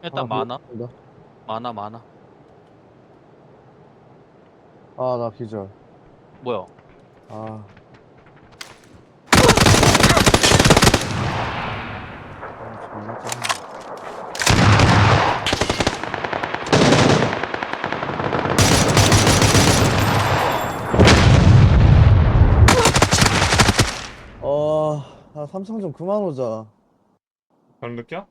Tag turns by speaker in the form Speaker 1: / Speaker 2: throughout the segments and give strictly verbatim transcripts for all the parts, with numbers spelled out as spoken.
Speaker 1: 일단
Speaker 2: 하나
Speaker 1: 많아.
Speaker 2: 보였습니다.
Speaker 1: 많아 많아.
Speaker 2: 아, 나 기절.
Speaker 1: 뭐야?
Speaker 2: 아, 아 존나 짜증나. 어, 아, 삼성 좀 그만 오자.
Speaker 3: 별 느껴?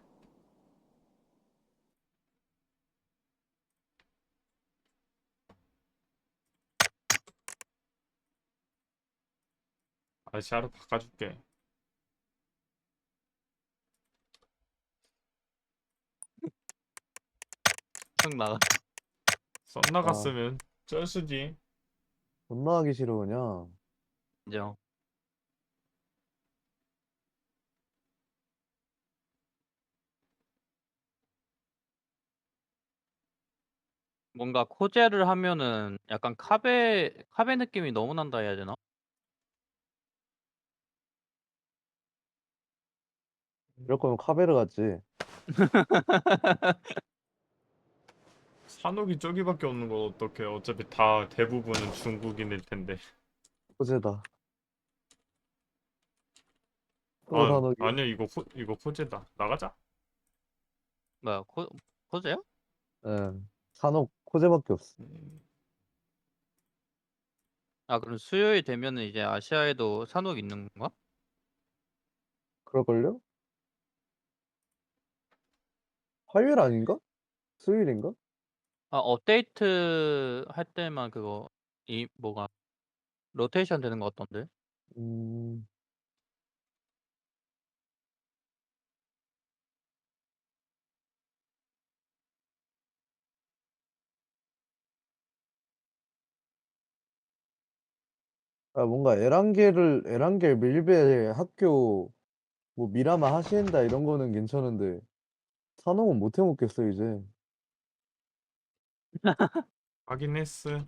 Speaker 3: 아저씨 하루 바꿔줄게.
Speaker 1: 형 나가.
Speaker 3: 썬
Speaker 2: 아,
Speaker 3: 나갔으면 쩔수지.
Speaker 2: 존나 하기 싫어, 그냥.
Speaker 1: 인정. 뭔가 코제를 하면은 약간 카베 카베 느낌이 너무 난다 해야 되나?
Speaker 2: 이럴 거면 카베르 갔지.
Speaker 3: 산옥이 저기밖에 없는 걸 어떡해. 어차피 다 대부분은 중국인일 텐데.
Speaker 2: 호재다. 또
Speaker 3: 아,
Speaker 2: 산옥이.
Speaker 3: 아니야. 이거 호, 이거 호재다. 나가자.
Speaker 1: 뭐야 코 코제야?
Speaker 2: 예. 산옥 호재밖에 없어.
Speaker 3: 음,
Speaker 1: 아 그럼 수요일 되면은 이제 아시아에도 산옥 있는 건가?
Speaker 2: 그럴걸요? 화요일 아닌가? 수요일인가?
Speaker 1: 아 업데이트 할 때만 그거 이 뭐가 로테이션 되는 거 같던데?
Speaker 2: 음, 아, 뭔가 에란겔을, 에란겔 밀베 학교, 뭐, 미라마 하시엔다 이런 거는 괜찮은데, 산옥은 못 해먹겠어, 이제.
Speaker 3: 하긴 했어.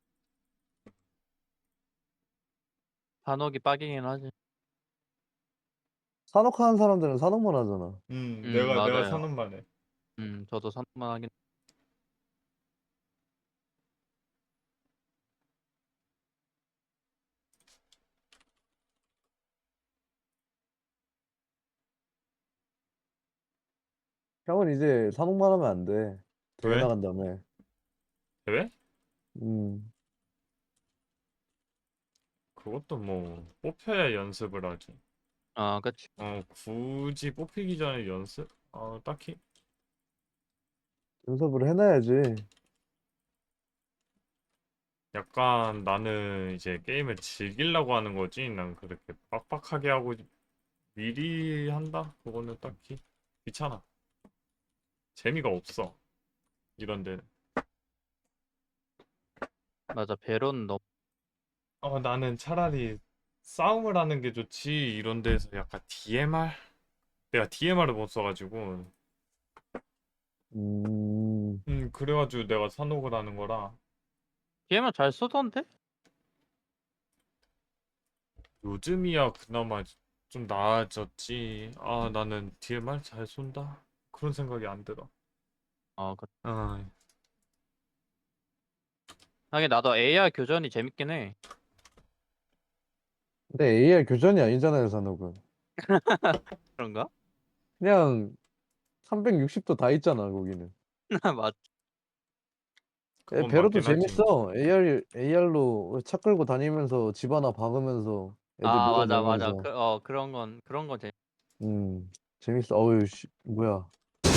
Speaker 1: 산옥이 빡이긴 하지.
Speaker 2: 산옥 하는 사람들은 산옥만 하잖아.
Speaker 3: 음,
Speaker 1: 음
Speaker 3: 내가 내가
Speaker 1: 맞아요.
Speaker 3: 사는 말에.
Speaker 1: 음 저도 산옥만 하긴.
Speaker 2: 형은 이제 산옥만 하면 안 돼. 대회
Speaker 3: 왜?
Speaker 2: 나간 다음에.
Speaker 3: 왜?
Speaker 2: 음,
Speaker 3: 그것도 뭐 뽑혀야 연습을 하지.
Speaker 1: 아 그치.
Speaker 3: 어, 굳이 뽑히기 전에 연습? 어, 딱히.
Speaker 2: 연습을 해놔야지.
Speaker 3: 약간 나는 이제 게임을 즐기려고 하는 거지. 난 그렇게 빡빡하게 하고 미리 한다? 그거는 딱히 귀찮아. 재미가 없어. 이런 데는.
Speaker 1: 맞아 베론 너.
Speaker 3: 어, 나는 차라리 싸움을 하는 게 좋지. 이런 데서 약간 디엠알? 내가 디엠알을 못 써가지고.
Speaker 2: 음,
Speaker 3: 음, 그래가지고 내가 산옥을 하는 거라.
Speaker 1: 디엠을 잘 쓰던데?
Speaker 3: 요즘이야 그나마 좀 나아졌지. 아, 나는 디엠알 잘 쏜다. 그런 생각이 안 들어.
Speaker 1: 아 그.
Speaker 3: 아,
Speaker 1: 하긴 나도 에이아르 교전이 재밌긴 해.
Speaker 2: 근데 에이알 교전이 아니잖아요, 산옥은.
Speaker 1: 그런가?
Speaker 2: 그냥 삼백육십 도 다 있잖아, 거기는.
Speaker 1: 맞.
Speaker 2: 에,
Speaker 3: 그건
Speaker 2: 배로도
Speaker 3: 맞긴 하지.
Speaker 2: 재밌어. 에이알, 에이알로 차 끌고 다니면서 집 하나 박으면서 애들
Speaker 1: 아 맞아 맞아
Speaker 2: 밀어넣으면서.
Speaker 1: 그 어 그런 건 그런 건 재밌.
Speaker 2: 음, 재밌어. 어우, 씨, 뭐야.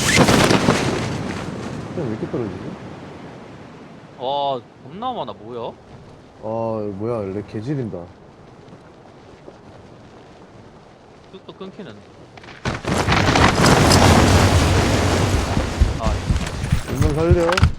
Speaker 2: 그냥 왜 이렇게 떨어지지?
Speaker 1: 와 겁나 많아 뭐야?
Speaker 2: 아, 뭐야, 렉 개지린다.
Speaker 1: 뚝뚝 끊기는데. 아
Speaker 2: 운명 살려.